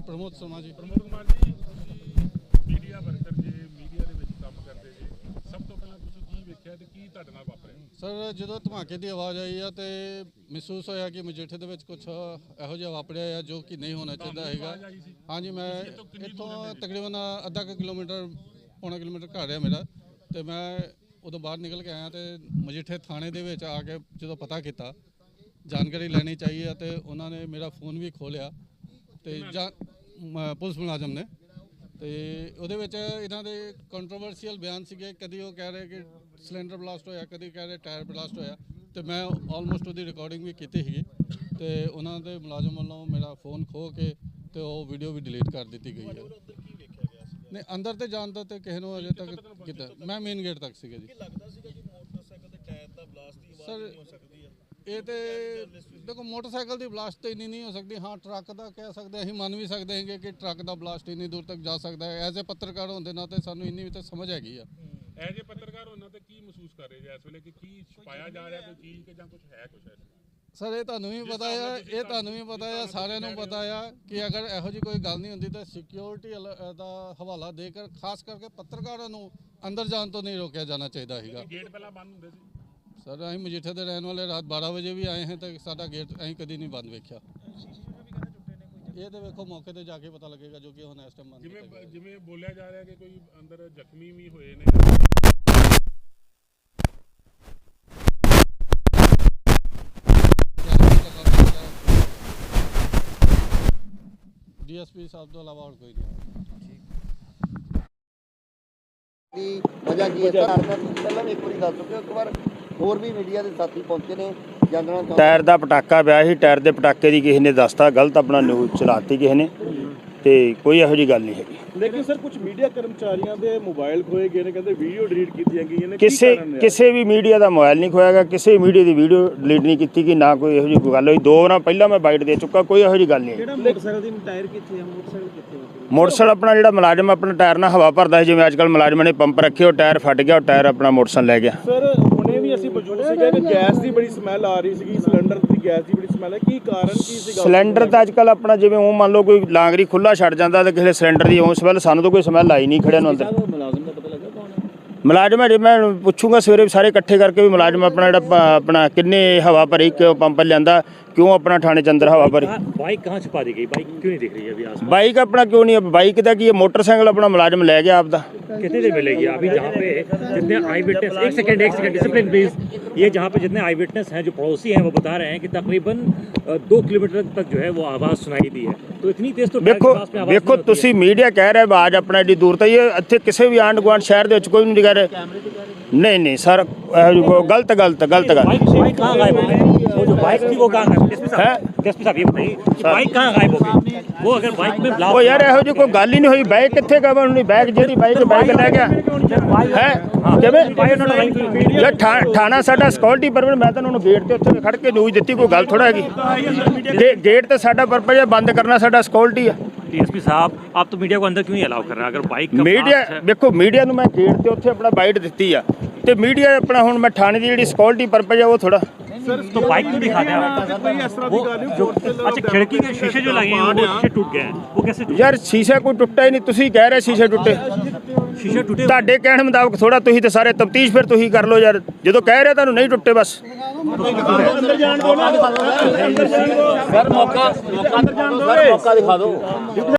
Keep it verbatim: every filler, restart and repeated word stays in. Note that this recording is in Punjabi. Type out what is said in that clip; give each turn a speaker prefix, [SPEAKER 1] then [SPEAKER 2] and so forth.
[SPEAKER 1] प्रमोद शर्मा जी।
[SPEAKER 2] प्रमोद कुमार जी, मीडिया वर्कर जे मीडिया ਦੇ ਵਿੱਚ ਕੰਮ ਕਰਦੇ ਜੇ, ਸਭ ਤੋਂ ਪਹਿਲਾਂ ਤੁਸੀਂ ਕੀ ਵੇਖਿਆ ਤੇ ਕੀ ਤੁਹਾਡੇ ਨਾਲ ਵਾਪਰਿਆ?
[SPEAKER 1] ਸਰ ਜਦੋਂ ਧਮਾਕੇ ਦੀ ਆਵਾਜ਼ ਆਈ ਆ ਤੇ ਮਹਿਸੂਸ ਹੋਇਆ ਕਿ ਮਜੀਠੇ ਦੇ ਵਿੱਚ ਕੁਝ ਇਹੋ ਜਿਹਾ ਵਾਪਰਿਆ ਆ ਜੋ ਕਿ ਨਹੀਂ ਹੋਣਾ ਚਾਹੀਦਾ ਹੈਗਾ। ਹਾਂਜੀ, ਮੈਂ ਇੱਥੋਂ ਤਕਰੀਬਨ ਅੱਧਾ ਕੁ ਕਿਲੋਮੀਟਰ ਪੌਣਾ ਕਿਲੋਮੀਟਰ ਘਰ ਆ ਮੇਰਾ, ਤੇ ਮੈਂ ਉਦੋਂ ਬਾਹਰ ਨਿਕਲ ਕੇ ਆਇਆ ਤੇ ਮਜੀਠੇ ਥਾਣੇ ਦੇ ਵਿੱਚ ਆ ਕੇ ਜਦੋਂ ਪਤਾ ਕੀਤਾ, ਜਾਣਕਾਰੀ ਲੈਣੀ ਚਾਹੀਏ, ਤੇ ਉਹਨਾਂ ਨੇ ਮੇਰਾ ਫੋਨ ਵੀ ਖੋਲਿਆ ਤੇ ਜਾਂ ਪੁਲਿਸ ਮੁਲਾਜ਼ਮ ਨੇ, ਤੇ ਉਹਦੇ ਵਿੱਚ ਇਹਨਾਂ ਦੇ ਕੰਟਰੋਵਰਸੀਅਲ ਬਿਆਨ ਸੀਗੇ। ਕਦੀ ਉਹ ਕਹਿ ਰਹੇ ਕਿ ਸਿਲੰਡਰ ਬਲਾਸਟ ਹੋਇਆ, ਕਦੀ ਕਹਿ ਰਹੇ ਟਾਇਰ ਬਲਾਸਟ ਹੋਇਆ, ਤੇ ਮੈਂ ਆਲਮੋਸਟ ਉਹਦੀ ਰਿਕਾਰਡਿੰਗ ਵੀ ਕੀਤੀ ਸੀਗੀ, ਤੇ ਉਹਨਾਂ ਦੇ ਮੁਲਾਜ਼ਮ ਵੱਲੋਂ ਮੇਰਾ ਫੋਨ ਖੋਹ ਕੇ ਤੇ ਉਹ ਵੀਡੀਓ ਵੀ ਡਿਲੀਟ ਕਰ ਦਿੱਤੀ ਗਈ ਹੈ। ਨਹੀਂ, ਅੰਦਰ ਤੇ ਜਾਣ ਦਾ ਤੇ ਕਿਸੇ ਨੂੰ ਅਜੇ ਤੱਕ ਕੀਤਾ, ਮੈਂ ਮੇਨ ਗੇਟ ਤੱਕ ਸੀਗਾ ਜੀ। ਸਰ ਇਹ ਤੇ ਦੇਖੋ, ਮੋਟਰਸਾਈਕਲ ਦੀ ਬਲਾਸਟ ਤਾਂ ਇੰਨੀ ਨਹੀਂ ਹੋ ਸਕਦੀ। ਹਾਂ, ਟਰੱਕ ਦਾ ਕਹਿ ਸਕਦੇ, ਅਸੀਂ ਮੰਨ ਵੀ ਸਕਦੇ ਹੈਗੇ ਕਿ ਟਰੱਕ ਦਾ ਬਲਾਸਟ ਇੰਨੀ ਦੂਰ ਤੱਕ ਜਾ ਸਕਦਾ ਹੈ। ਐਜ਼ ਏ ਪੱਤਰਕਾਰ ਹੋਣ ਦੇ ਨਾਤੇ ਸਾਨੂੰ ਇੰਨੀ ਵੀ ਤਾਂ ਸਮਝ ਹੈਗੀ ਆ।
[SPEAKER 2] ਐਜ਼ ਏ ਪੱਤਰਕਾਰ ਹੋਣਾ ਤੇ ਕੀ ਮਹਿਸੂਸ ਕਰ ਰਹੇ ਜੇ ਇਸ ਵੇਲੇ ਕਿ ਕੀ ਛੁਪਾਇਆ ਜਾ ਰਿਹਾ, ਕੋਈ ਚੀਜ਼ ਕਿ ਜਾਂ ਕੁਝ ਹੈ ਕੁਝ ਹੈ?
[SPEAKER 1] ਸਰ ਇਹ ਤੁਹਾਨੂੰ ਵੀ ਪਤਾ ਆ, ਇਹ ਤੁਹਾਨੂੰ ਵੀ ਪਤਾ ਆ, ਸਾਰਿਆਂ ਨੂੰ ਪਤਾ ਆ ਕਿ ਅਗਰ ਇਹੋ ਜਿਹੀ ਕੋਈ ਗੱਲ ਨਹੀਂ ਹੁੰਦੀ ਤਾਂ ਸਿਕਿਉਰਿਟੀ ਦਾ ਹਵਾਲਾ ਦੇ ਕੇ ਖਾਸ ਕਰਕੇ ਪੱਤਰਕਾਰਾਂ ਨੂੰ ਅੰਦਰ ਜਾਣ ਤੋਂ ਨਹੀਂ ਰੋਕਿਆ ਜਾਣਾ ਚਾਹੀਦਾ ਸੀਗਾ।
[SPEAKER 2] ਗੇਟ ਪਹਿਲਾਂ ਬੰਦ ਹੁੰਦੇ ਸੀ
[SPEAKER 1] ਸਰ, ਅਸੀਂ ਮਜੀਠੇ ਦੇ ਰਹਿਣ ਵਾਲੇ, ਰਾਤ ਬਾਰਾਂ ਵਜੇ ਵੀ ਆਏ ਹਾਂ ਤਾਂ ਸਾਡਾ ਗੇਟ ਅਸੀਂ ਕਦੀ ਨਹੀਂ ਬੰਦ ਵੇਖਿਆ। ਇਹ ਤਾਂ ਵੇਖੋ ਮੌਕੇ ਤੇ ਜਾ ਕੇ ਪਤਾ ਲੱਗੇਗਾ, ਜੋ ਕਿ ਹੁਣ ਇਸ ਟਾਈਮ ਬੰਦ
[SPEAKER 2] ਜਿਵੇਂ ਜਿਵੇਂ ਬੋਲਿਆ ਜਾ ਰਿਹਾ ਕਿ ਕੋਈ ਅੰਦਰ ਜ਼ਖਮੀ ਵੀ ਹੋਏ ਨੇ।
[SPEAKER 1] ਡੀਐਸਪੀ ਸਾਹਿਬ ਤੋਂ ਇਲਾਵਾ ਹੋਰ ਕੋਈ ਨਹੀਂ।
[SPEAKER 3] ਦੀ ਵਜ੍ਹਾ ਕੀ ਹੈ ਸਰ? ਪਹਿਲਾਂ ਵੀ ਇੱਕ ਵਾਰੀ ਦੱਸ ਚੁੱਕੇ ਹੋ, ਇੱਕ ਵਾਰ ਹੋਰ ਵੀ ਮੀਡੀਆ ਦੇ ਸਾਥੀ ਪਹੁੰਚੇ ਨੇ ਜਾਣਨਾ।
[SPEAKER 4] ਟਾਇਰ ਦਾ ਪਟਾਕਾ ਪਿਆ ਸੀ, ਟਾਇਰ ਦੇ ਪਟਾਕੇ ਦੀ ਕਿਸੇ ਨੇ ਦੱਸਤਾ, ਗਲਤ ਆਪਣਾ ਨਿਊਜ਼ ਚਲਾਤੀ ਕਿਸੇ ਨੇ, ਤੇ ਕੋਈ ਇਹੋ ਜਿਹੀ ਗੱਲ ਨਹੀਂ ਹੈਗੀ।
[SPEAKER 5] ਲੇਕਿਨ ਸਰ ਕੁਝ ਮੀਡੀਆ ਕਰਮਚਾਰੀਆਂ ਦੇ ਮੋਬਾਈਲ ਖੋਏ ਗਏ ਨੇ, ਕਹਿੰਦੇ ਵੀਡੀਓ ਡਿਲੀਟ ਕੀਤੀਆਂ ਗਈਆਂ ਨੇ।
[SPEAKER 4] ਕਿਸੇ ਕਿਸੇ ਵੀ ਮੀਡੀਆ ਦਾ ਮੋਬਾਈਲ ਨਹੀਂ ਖੋਇਆ ਗਿਆ, ਕਿਸੇ ਮੀਡੀਆ ਦੀ ਵੀਡੀਓ ਡਿਲੀਟ ਨਹੀਂ ਕੀਤੀ ਗਈ, ਨਾ ਕੋਈ ਇਹੋ ਜਿਹੀ ਕੋਈ ਗੱਲ ਹੋਈ। ਦੋ ਵਾਰਾਂ ਪਹਿਲਾਂ ਮੈਂ ਬਾਈਟ ਦੇ ਚੁੱਕਾ, ਕੋਈ ਇਹੋ ਜਿਹੀ ਗੱਲ ਨਹੀਂ।
[SPEAKER 5] ਕਿਹੜਾ ਮੋਟਰਸਾਈਕਲ ਦੀ ਟਾਇਰ ਕਿੱਥੇ ਹੈ? ਮੋਟਰਸਾਈਕਲ ਕਿੱਥੇ ਹੈ?
[SPEAKER 4] ਮੋਟਰਸਾਈਕਲ ਆਪਣਾ ਜਿਹੜਾ ਮੁਲਾਜ਼ਮ ਆਪਣਾ ਟਾਇਰ ਨਾਲ ਹਵਾ ਭਰਦਾ ਸੀ, ਜਿਵੇਂ ਅੱਜ ਕੱਲ੍ਹ ਮੁਲਾਜ਼ਮਾਂ ਨੇ ਪੰਪ ਰੱਖੇ, ਉਹ ਟਾਇਰ ਫਟ ਗਿਆ, ਉਹ ਟਾਇਰ ਆਪਣਾ ਮੋਟਰਸਾਈਕਲ ਲੈ ਗਿਆ।
[SPEAKER 5] ਸਰ ਹੁਣੇ ਵੀ ਅਸੀਂ ਮੌਜੂਦ ਸੀਗੇ ਕਿ ਗੈਸ ਦੀ ਬੜੀ ਸਮੈਲ ਆ ਰਹੀ ਸੀਗੀ, ਸਿਲੰਡਰ ਦੀ ਗੈਸ ਦੀ ਬੜੀ ਸਮੈਲ ਹੈ, ਕੀ ਕਾਰਨ ਕੀ ਸੀਗਾ?
[SPEAKER 4] ਸਿਲੰਡਰ ਤਾਂ ਅੱਜ ਕੱਲ੍ਹ ਆਪਣਾ ਜਿਵੇਂ ਉਹ ਮੰਨ ਲਓ ਕੋਈ ਲਾਂਗਰੀ ਖੁੱਲਾ ਛੱਡ ਜਾਂਦਾ ਤੇ ਕਿਸੇ ਸਿਲੰਡਰ ਦੀ ਉਹ ਸਮੈਲ, ਸਾਨੂੰ ਤਾਂ ਕੋਈ ਸਮੈਲ ਆਈ ਨਹੀਂ ਖੜਿਆ ਨੂੰ ਅੰਦਰ।
[SPEAKER 5] ਮੁਲਾਜ਼ਮ ਦਾ ਪਤਾ ਲੱਗਾ ਕੌਣ ਹੈ?
[SPEAKER 4] ਮੁਲਾਜ਼ਮ ਹੈ, ਜੇ ਮੈਂ ਪੁੱਛੂੰਗਾ ਸਵੇਰੇ ਸਾਰੇ ਇਕੱਠੇ ਕਰਕੇ ਵੀ ਮੁਲਾਜ਼ਮ ਆਪਣਾ ਜਿਹੜਾ ਆਪਣਾ ਕਿੰਨੇ ਹਵਾ ਭਰੀ, ਕਿਉਂ ਪੰਪ ਲਿਆਂਦਾ, क्यों अपना थाने के अंदर हवा भरी?
[SPEAKER 6] बाइक कहाँ छुपा दी गई? बाइक क्यों नहीं दिख रही है अभी आसपास?
[SPEAKER 4] बाइक अपना क्यों नहीं है? बाइक का की मोटरसाइकिल अपना मुलाजिम ले गया आपका।
[SPEAKER 6] कितनी देर मिलेगी अभी जहाँ पे जितने आई विटनेस, एक सेकंड एक सेकंड डिसिप्लिन प्लीज, ये जहाँ पे जितने आई विटनेस हैं, जो पड़ोसी हैं, वो बता रहे हैं कि तकरीबन दो किलोमीटर तक जो है वो आवाज़ सुनाई दी है। तो इतनी तेज तो
[SPEAKER 4] देखो देखो तुसी मीडिया कह रहे आवाज़ अपना एडी दूर तक, ये इतने किसी भी आंढ गुआंढ शहर के कोई नहीं कह रहे। नहीं नहीं सर, गलत गलत गलत गल।
[SPEAKER 6] बाइक कहाँ गायब हो गई? वो जो बाइक थी वो कहाँ गायब? एसपी साहब ये बताइए, बाइक कहाँ गायब हो गई? वो अगर बाइक में
[SPEAKER 4] वो यार ਇਹੋ ਜਿਹੀ ਕੋਈ ਗੱਲ ਹੀ ਨਹੀਂ ਹੋਈ। ਬਾਈਕ ਕਿੱਥੇ ਗਵਾ? ਉਹਨੇ ਬਾਈਕ ਜਿਹੜੀ ਬਾਈਕ ਬਾਈਕ ਲੈ ਗਿਆ ਹੈ ਕਿਵੇਂ? ਯਾਰ ਥਾਣਾ ਸਾਡਾ ਸਿਕਿਉਰਿਟੀ ਪਰਪਸ, ਮੈਂ ਤਾਂ ਉਹਨੂੰ ਗੇਟ ਤੇ ਉੱਥੇ ਖੜ ਕੇ ਨਿਊਜ਼ ਦਿੱਤੀ, ਕੋਈ ਗੱਲ ਥੋੜਾ ਹੈਗੀ। ਗੇਟ ਤੇ ਸਾਡਾ ਪਰਪਸ ਹੈ ਬੰਦ ਕਰਨਾ, ਸਾਡਾ ਸਿਕਿਉਰਿਟੀ ਆ।
[SPEAKER 6] डीएसपी साहब आप तो मीडिया को अंदर क्यों नहीं अलाउ कर रहे हैं? अगर बाइक का
[SPEAKER 4] मीडिया देखो, मीडिया ਨੂੰ ਮੈਂ ਗੇਟ ਤੇ ਉੱਥੇ ਆਪਣਾ ਬਾਈਟ ਦਿੱਤੀ ਆ, ਤੇ ਮੀਡੀਆ ਆਪਣਾ ਹੁਣ ਮੈਂ ਥਾਣੇ ਦੀ ਜਿਹੜੀ ਸਿਕਿਉਰਿਟੀ ਪਰਪਸ ਹੈ ਉਹ ਥੋੜਾ।
[SPEAKER 6] सर तो बाइक क्यों दिखा दें आप? वो जो अच्छा खिड़की के शीशे जो लगे हैं वो शीशे टूट गए हैं, वो कैसे टूटे?
[SPEAKER 4] यार शीशा कोई टुੱਟਾ ਹੀ ਨਹੀਂ, ਤੁਸੀਂ ਕਹਿ ਰਹੇ शीशे ਟੁੱਟੇ।
[SPEAKER 6] शीशे टूटे
[SPEAKER 4] ਤੁਹਾਡੇ ਕਹਿਣ ਮੁਤਾਬਕ ਥੋੜਾ, ਤੁਸੀਂ ਤੇ ਸਾਰੇ ਤਫਤੀਸ਼ ਫਿਰ ਤੁਸੀਂ ਕਰ ਲਓ ਯਾਰ, ਜਦੋਂ ਕਹਿ ਰਹੇ ਤੁਹਾਨੂੰ ਨਹੀਂ ਟੁੱਟੇ ਬਸ।
[SPEAKER 5] ਅੰਦਰ ਜਾਣ ਦਿਓ ਨਾ ਸਰ, ਮੌਕਾ ਮੌਕਾ ਅੰਦਰ ਜਾਣ ਦਿਓ, ਮੌਕਾ ਦਿਖਾ ਦਿਓ।